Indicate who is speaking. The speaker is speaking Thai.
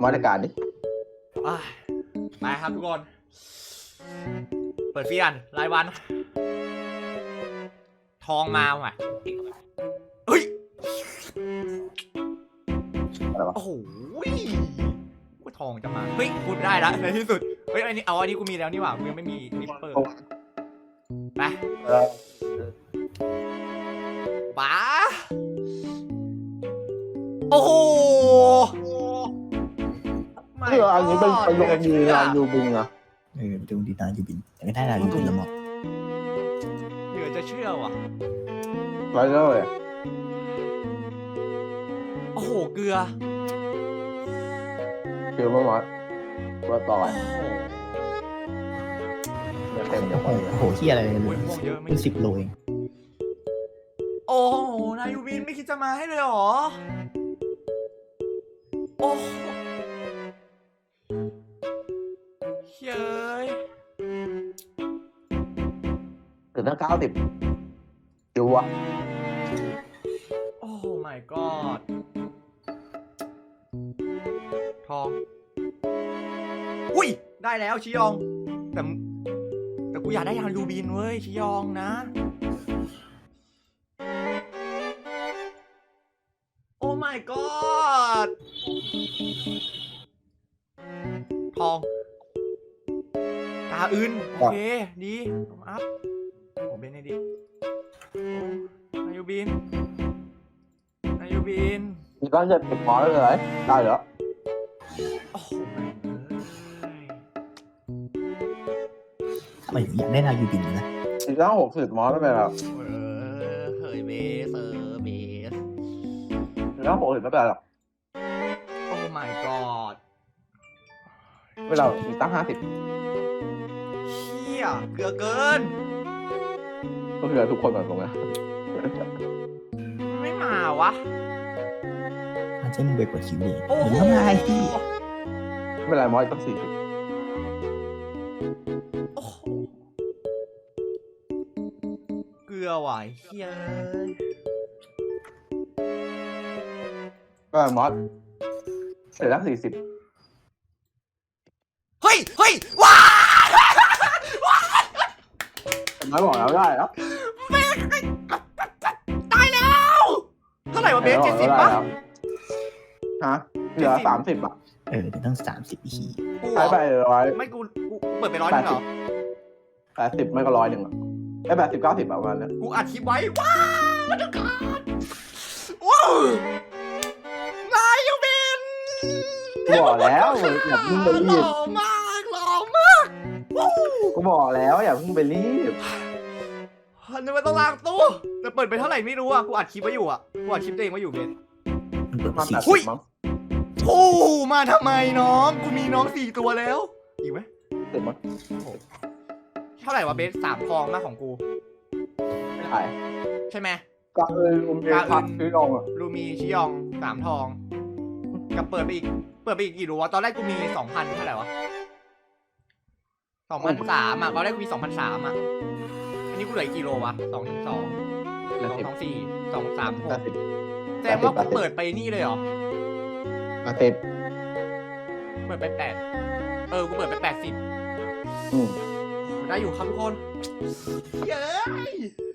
Speaker 1: มาตรการดิ
Speaker 2: ไปครับทุกคน เปิดเฟียนรายวัน ทองมาว่ะเฮ้ย
Speaker 1: อะไรวะ
Speaker 2: โอ้โหว่าทองจะมา เฮ้ยพูดได้แล้วในที่สุด เฮ้ยอันนี้อันนี้กูมีแล้วนี่หว่ากูยังไม่มีนิปเปอร์ไปป๋าโอ้โห
Speaker 1: เพื่ออันนี้เป็นประโยชน์ดีนะยูบิงอะ
Speaker 3: ไปดูดีนายูบินแต่ไม่ได้นายูบินละหมด
Speaker 2: เหลือจะเชื่อว่ะ
Speaker 1: ไรเลย
Speaker 2: โอ้โหเกลือ
Speaker 1: คือเมื่อวานว่าต่อ
Speaker 2: โอ้โห
Speaker 1: เนี่ยเต็มเดี๋ยว
Speaker 3: โอ้โหเฮียอะไรเลย
Speaker 2: โอ้ยม่วงเยอะไม่
Speaker 3: เป็น10 โลเอง
Speaker 2: โอ้โหนายยูบินไม่คิดจะมาให้เลยเหรอโอ้โหเฮ้ย
Speaker 1: ถึงตั้ง90ดูอะ
Speaker 2: โอ้ my god ทองอุ้ยได้แล้วชิยองแต่กูอยากได้ยางยูบินเว้ยชิยองนะโอ้ my god ทองกาอื่นโอเคดีต้องอัพโอ้เบนไอดินายูบินนายูบิน
Speaker 1: มีก้อนจะติดหมอเลยได้เหรอ
Speaker 2: โอ้โหแม่งเอ้ย
Speaker 3: ทำไมถึงอยากได้นายูบินนะ
Speaker 1: อีกตั้ง60หมอไม่เป็นไรหรอก
Speaker 2: เฮ้ยเบสเบส
Speaker 1: อีกตั้ง60ไม่เป็นไรหรอก
Speaker 2: โอ้ my god
Speaker 1: ไม่เป็นไรอีกตั้ง50
Speaker 2: เชี่ยเกลือเกิน
Speaker 1: ก็คือทุกคนแบบตรงนี้
Speaker 2: ไม่มาวะ
Speaker 3: มันจะมึงไปเปิดคิวเลย
Speaker 2: โอ้
Speaker 3: มึง
Speaker 2: โห
Speaker 3: ทำไงที่
Speaker 1: ไม่เป็นไรหมออีกตั้ง40
Speaker 2: โอ้โหเกลือว่ะเฮีย
Speaker 1: ก็หมอเสร็จแล้ว40
Speaker 2: เฮ้ยเฮ้ยว้า
Speaker 1: ไม่บอกแล้วได้แล้ว
Speaker 2: ตายแล้วเท่าไหร่วะเบส70ป่ะ
Speaker 1: ฮะเหลือ30อ่ะ
Speaker 3: เดี๋ยวต้อง30 ที
Speaker 2: กู
Speaker 1: ใช้ไป100
Speaker 2: ไม่กูเปิดไป100นึงเหรอ
Speaker 1: 80ไม่ก็100อ่ะไอ้80 90ประมาณนั้น
Speaker 2: กูอัดคลิปไว้ว้าวทุกคนว้าวนายยูบิน
Speaker 1: กูบอกแล้วอย่าเพิ่งไป
Speaker 2: ห
Speaker 1: รี
Speaker 2: ล่
Speaker 1: บ
Speaker 2: อมากหล่อมากวู้
Speaker 1: กูบอกแล้วอย่าเพิ่งไปรีบ
Speaker 2: นึกว่าต้องล้างตู้แต่เปิดไปเท่าไหร่ไม่รู้อ่ะกูอัดคลิปไว้อยู่อ่ะกูอัดคลิปตัวเองไว้อยู่เบน
Speaker 3: มันเปิด
Speaker 1: มา
Speaker 3: สี่
Speaker 1: 80มั้ง
Speaker 2: โอ้มาทำไมน้องกูมีน้อง4 ตัวแล้วอีกไหม
Speaker 1: 10มั้ง
Speaker 2: เท่าไหร่วะเบส3 ทองมากของกู
Speaker 1: ไม่ถ่าย
Speaker 2: ใช่ไหม
Speaker 1: ก็อุ้มเยพักซื้อลงอ่ะ
Speaker 2: ลูมีชิยอง3 ทองกับเปิดไปอีกกี่รู้วะตอนแรกกูมี 2,000 เท่าไหร่วะ2,300อ่ะตอนแรกกูมี 2,300อ่ะอันนี้กูเหลือกี่โลวะ2 1 2 2 2 4 2 3 6
Speaker 1: 80
Speaker 2: แสดงว่ากูเปิดไปนี่เลยเหรอ
Speaker 1: 80
Speaker 2: เปิดไป8กูเปิดไป80
Speaker 1: อืม
Speaker 2: ได้อยู่ครับทุกคนเย้